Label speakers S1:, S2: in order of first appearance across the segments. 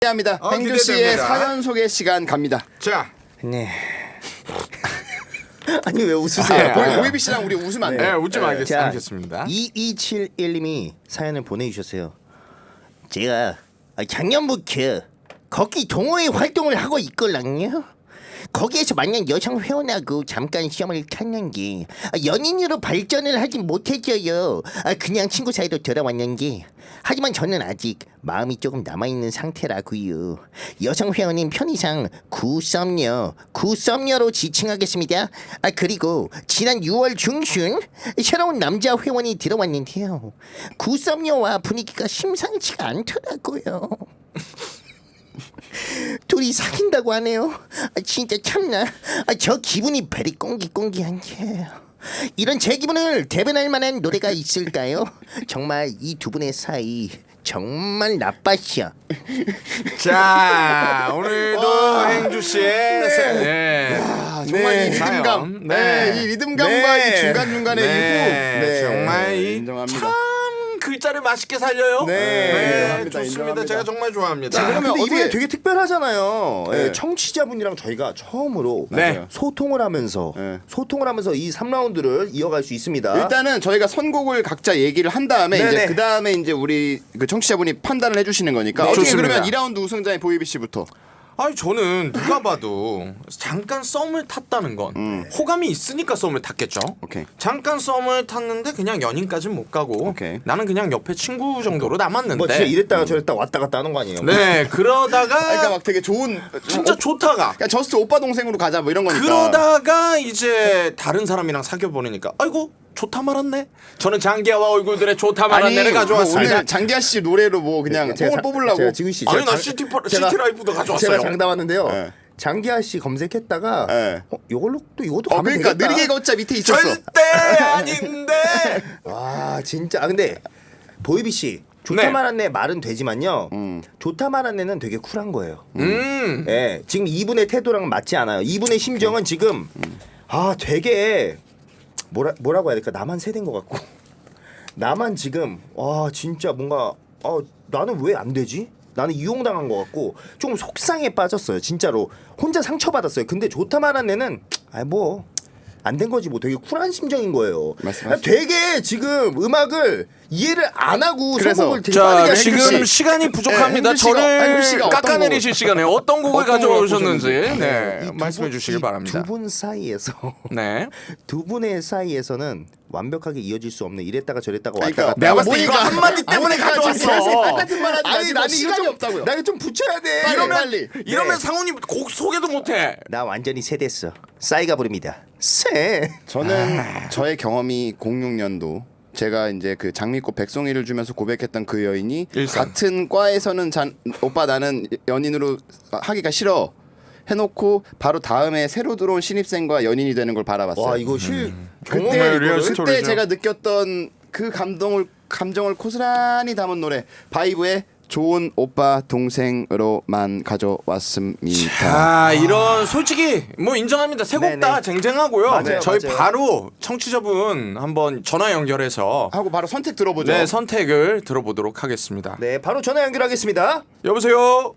S1: 합니다. 행주 씨의 사연 소개 시간 갑니다.
S2: 자,
S3: 네. 아니 왜 웃으세요?
S1: 보이비 씨랑 우리 웃으면 안 돼요.
S2: 네, 웃지 말겠습니다.
S3: 2271님이 사연을 보내주셨어요. 제가 작년부터 거기 동호회 활동을 하고 있걸랑요. 거기에서 만난 여성 회원하고 잠깐 시험을 탔는데 연인으로 발전을 하지 못했어요. 그냥 친구 사이로 돌아왔는데 하지만 저는 아직 마음이 조금 남아있는 상태라고요. 여성 회원님 편의상 구썸녀로 지칭하겠습니다. 그리고 지난 6월 중순 새로운 남자 회원이 들어왔는데요. 구썸녀와 분위기가 심상치가 않더라고요. 둘이 사귄다고 하네요. 진짜 참나. 저 기분이 베리 꽁기꽁기한데 이런 제 기분을 대변할 만한 노래가 있을까요? 정말 이 두 분의 사이 정말 나빴어.
S2: 자, 오늘도 행주 씨의
S1: 정말
S2: 네,
S1: 이 리듬감,
S2: 사연. 네.
S1: 이 리듬감과 이 중간 중간의
S2: 네, 정말
S1: 인정합니다.
S2: 참 글자를 맛있게 살려요.
S1: 인정합니다,
S2: 좋습니다.
S1: 인정합니다.
S2: 제가 정말 좋아합니다.
S3: 자, 그러면
S1: 근데
S3: 이번에
S1: 어떻게-
S3: 되게 특별하잖아요.
S1: 네.
S3: 청취자분이랑 저희가 처음으로
S2: 네.
S3: 소통을 하면서 이 3라운드를 이어갈 수 있습니다.
S1: 일단은 저희가 선곡을 각자 얘기를 한 다음에
S3: 네네.
S1: 이제 그 다음에 이제 우리 그 청취자분이 판단을 해주시는 거니까 어떻게
S2: 좋습니다.
S1: 그러면 2라운드 우승자인 보이비 씨부터.
S2: 아니 저는 누가 봐도 잠깐 썸을 탔다는 건 호감이 있으니까 썸을 탔겠죠.
S1: 오케이.
S2: 잠깐 썸을 탔는데 그냥 연인까지는 못 가고
S1: 오케이.
S2: 나는 그냥 옆에 친구 정도로 남았는데.
S3: 뭐 진짜 이랬다가 저랬다가 왔다 갔다 하는 거 아니에요?
S2: 네, 그러다가
S1: 그러니까 막 되게 좋은
S2: 진짜 좋다가
S1: 그냥 저스트 오빠 동생으로 가자 뭐 이런 거니까.
S2: 그러다가 이제 다른 사람이랑 사귀어 보니까 아이고 좋다 말았네. 저는 장기하와 얼굴들의 좋다 말았네를
S1: 뭐
S2: 가져왔습니다.
S1: 오늘 장기하 씨 노래로 뭐 그냥 뽕을 뽑으려고.
S3: 제가 지훈 씨
S2: 아니 나 시티라이프도 가져왔어요.
S3: 제가 장담하는데요.
S1: 네.
S3: 장기하 씨 검색했다가
S1: 네.
S3: 이걸로 또 이것도 가면
S1: 그러니까
S3: 되겠다.
S1: 느리게 걷자 밑에 있었어.
S2: 절대 아닌데.
S3: 와 진짜 근데 보이비 씨 좋다
S2: 네.
S3: 말았네 말은 되지만요. 좋다 말았네는 되게 쿨한 거예요.
S2: 음.
S3: 예, 지금 이분의 태도랑 맞지 않아요. 이분의 심정은 지금 되게 뭐라고 해야 될까? 나만 세대인 것 같고 나만 지금 진짜 뭔가 나는 왜 안 되지? 나는 이용당한 것 같고 조금 속상해 빠졌어요. 진짜로 혼자 상처받았어요. 근데 좋다 말한 애는 뭐 안 된 거지 뭐 되게 쿨한 심정인 거예요.
S1: 말씀하시죠.
S3: 되게 지금 음악을 이해를 안 하고
S1: 그래서
S3: 선곡을 되게
S2: 자
S3: 빠르게 하시는
S2: 지금
S3: 거지.
S2: 시간이 부족합니다.
S1: 행주 씨가- 행주 씨가
S2: 저를
S1: 어떤
S2: 깎아내리실 시간에 어떤 곡을
S1: 어떤
S2: 가져오셨는지
S1: 곡을
S2: 네,
S3: 이
S2: 말씀해 주시길 바랍니다.
S3: 두 분 사이에서
S2: 네.
S3: 두 분의 사이에서는 완벽하게 이어질 수 없는 이랬다가 저랬다가
S1: 그러니까
S3: 왔다 갔다.
S2: 내가 봤을 때
S1: 모니까-
S2: 이거 한마디 때문에
S1: 모니까 지금
S2: 가져왔어.
S1: 슬슬 똑같은 말 하지
S3: 아니
S1: 마시고
S3: 나는
S1: 시간이
S3: 이거 좀
S1: 없다고요.
S3: 나 이거 좀 붙여야 돼.
S1: 빨리.
S2: 이러면 상훈이 곡 소개도 못해.
S3: 나 완전히 세댔어. 싸이가 부릅니다. 새.
S1: 저는 저의 경험이 06년도 제가 이제 그 장미꽃 백송이를 주면서 고백했던 그 여인이
S2: 일산.
S1: 같은 과에서는 오빠 나는 연인으로 하기가 싫어 해놓고 바로 다음에 새로 들어온 신입생과 연인이 되는 걸 바라봤어요.
S3: 와 이거 실
S2: 정말
S3: 경험을
S2: 리얼
S3: 이거를-
S2: 스토리.
S1: 그때
S2: 스토리죠.
S1: 제가 느꼈던 그 감정을 고스란히 담은 노래 바이브의 좋은 오빠 동생으로만 가져왔습니다.
S2: 이런 솔직히 뭐 인정합니다. 세 곡 다
S3: 네네.
S2: 쟁쟁하고요.
S3: 맞아요,
S2: 저희
S3: 맞아요.
S2: 바로 청취자분 한번 전화 연결해서
S1: 하고 바로 선택 들어보죠.
S2: 네, 선택을 들어보도록 하겠습니다.
S3: 네 바로 전화 연결하겠습니다.
S2: 여보세요.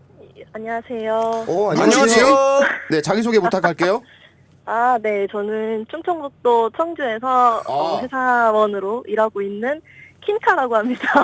S4: 안녕하세요.
S2: 안녕하세요.
S1: 네 자기 소개 부탁할게요.
S4: 네, 저는 충청북도 청주에서 회사원으로 일하고 있는 킹카라고 합니다.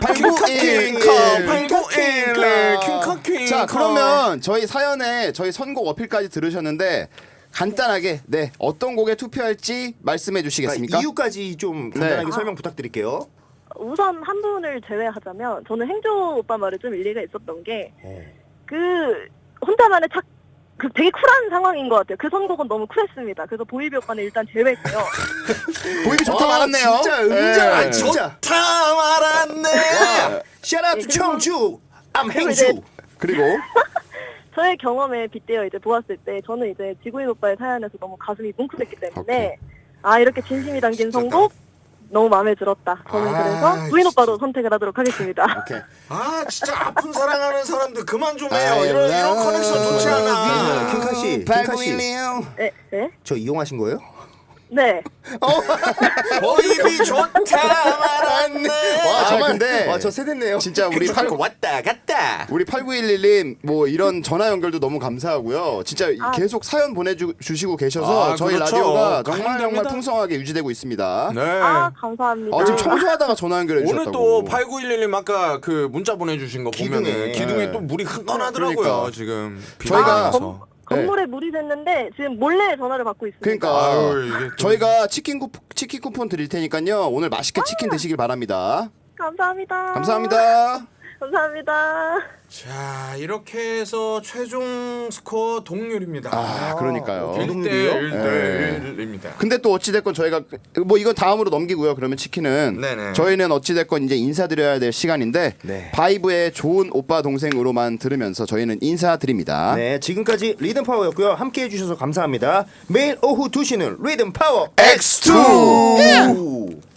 S1: 자 그러면 저희 사연에 저희 선곡 어필까지 들으셨는데 간단하게 어떤 곡에 투표할지 말씀해 주시겠습니까?
S3: 이유까지 좀 간단하게
S1: 네.
S3: 설명 부탁드릴게요.
S4: 우선 한 분을 제외하자면 저는 행조 오빠 말에 좀 일리가 있었던 게 그 혼자만의 되게 쿨한 상황인 것 같아요. 그 선곡은 너무 쿨했습니다. 그래서 보이비 오빠는 일단 제외고요.
S1: 보이비 좋다 말았네요.
S3: 진짜 음자
S1: 네.
S3: 진짜.
S2: 다 말았네.
S3: 샤라투
S4: 그리고-
S3: 청주 암
S4: 그리고
S3: 행주.
S4: 이제-
S1: 그리고
S4: 저의 경험에 빗대어 이제 보았을 때 저는 이제 지구인 오빠의 사연에서 너무 가슴이 뭉클했기 때문에 이렇게 진심이 담긴 선곡 너무 마음에 들었다. 저는 그래서 부인 오빠로 선택을 하도록 하겠습니다.
S1: 오케이.
S2: 진짜 아픈 사랑하는 사람들 그만 좀 해요. 이런 커넥션 좋지 않아.
S3: 킹카 씨,
S1: 발구일이요.
S4: 네, 네.
S3: 저 이용하신 거예요?
S4: 네.
S2: 보입이 좋다 말았네.
S1: 와,
S3: 정말
S1: 근데
S3: 와, 저 세대네요.
S1: 진짜 우리
S2: 왔다 갔다.
S1: 우리 8911님 뭐 이런 전화 연결도 너무 감사하고요. 진짜
S4: 아.
S1: 계속 사연 보내주시고 계셔서
S2: 아,
S1: 저희
S2: 그렇죠.
S1: 라디오가 정말
S2: 감사합니다.
S1: 풍성하게 유지되고 있습니다.
S2: 네.
S4: 아, 감사합니다.
S1: 지금 청소하다가 전화 연결해
S2: 오늘
S1: 주셨다고.
S2: 또 8911님 아까 그 문자 보내주신 거 보면은
S3: 기둥에.
S2: 기둥에 또 물이 흥건하더라고요.
S1: 그러니까.
S2: 지금
S1: 저희가
S4: 건물에 물이 샜는데 지금 몰래 전화를 받고 있습니다.
S1: 그러니까
S2: 아유, 이게 또-
S1: 저희가 치킨 쿠폰 드릴 테니까요. 오늘 맛있게 치킨 드시길 바랍니다.
S4: 감사합니다.
S1: 감사합니다.
S4: 감사합니다.
S2: 자 이렇게 해서 최종 스코어 동률입니다.
S1: 아, 그러니까요.
S2: 1대 1입니다.
S1: 근데 또 어찌됐건 저희가 뭐 이건 다음으로 넘기고요. 그러면 치킨은
S2: 네네.
S1: 저희는 어찌됐건 이제 인사드려야 될 시간인데
S3: 네.
S1: 바이브의 좋은 오빠 동생으로만 들으면서 저희는 인사드립니다.
S3: 네, 지금까지 리듬 파워였고요. 함께 해주셔서 감사합니다. 매일 오후 2시는 리듬 파워
S1: X2!
S3: X2!